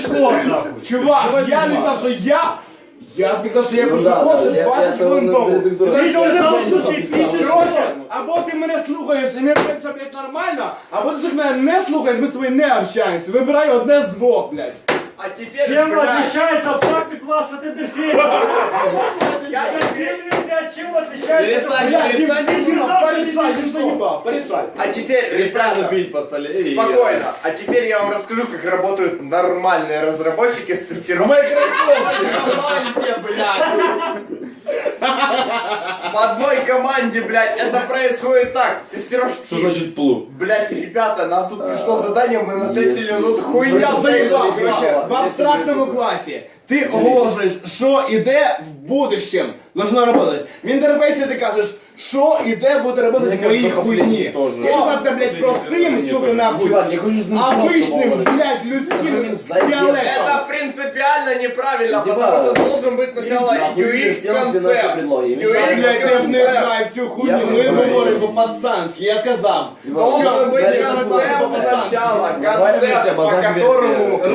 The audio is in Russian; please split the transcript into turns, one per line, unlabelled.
что, нахуй?
Чувак, я не знав, що я сказав, що я пишу код ще 20 хвилин тому.
Ти сказав, що ти пишеш
Короче,
код.
або ти мене слухаєш і мені це, блядь, нормально, або ти мене не слухаєш, ми з тобою не общаємося. Вибирай одне з двох, блядь.
А теперь,
Чем
блядь,
отличается абстрактный класс от интерфейса? От чем отличается?
Блядь, ти
сказав, що ти
порешай,
пишеш
ти заїбав, порешай.
а теперь, ребята,
бить по столе.
спокойно. А теперь я вам расскажу, как работают нормальные разработчики с тестировкой.
Команде, блядь.
В одной команде, блядь, это происходит так. Тестировщики.
Что значит плу?
Блядь, ребята, нам тут пришло задание, мы натестили, ну тут хуйня
Я заїбав,
заебал.
короче, в абстрактному класі ти оголошуєш, що іде в будущем, должно работать. В інтерфейсі ти кажеш, що іде буде работать в моїй хуйні. Ти за це, блядь, простим, сука, нахуй,
Чувак, я хочу знать,
обичним, блядь, людським діалектом.
Это принципиально неправильно,
Типа,
потому что должен быть сначала UX концепт.
Блядь, я б не граю в цю хуйню, ми говоримо по-пацанськи, я сказав.
Должен быть концепт сначала, концепт, по которому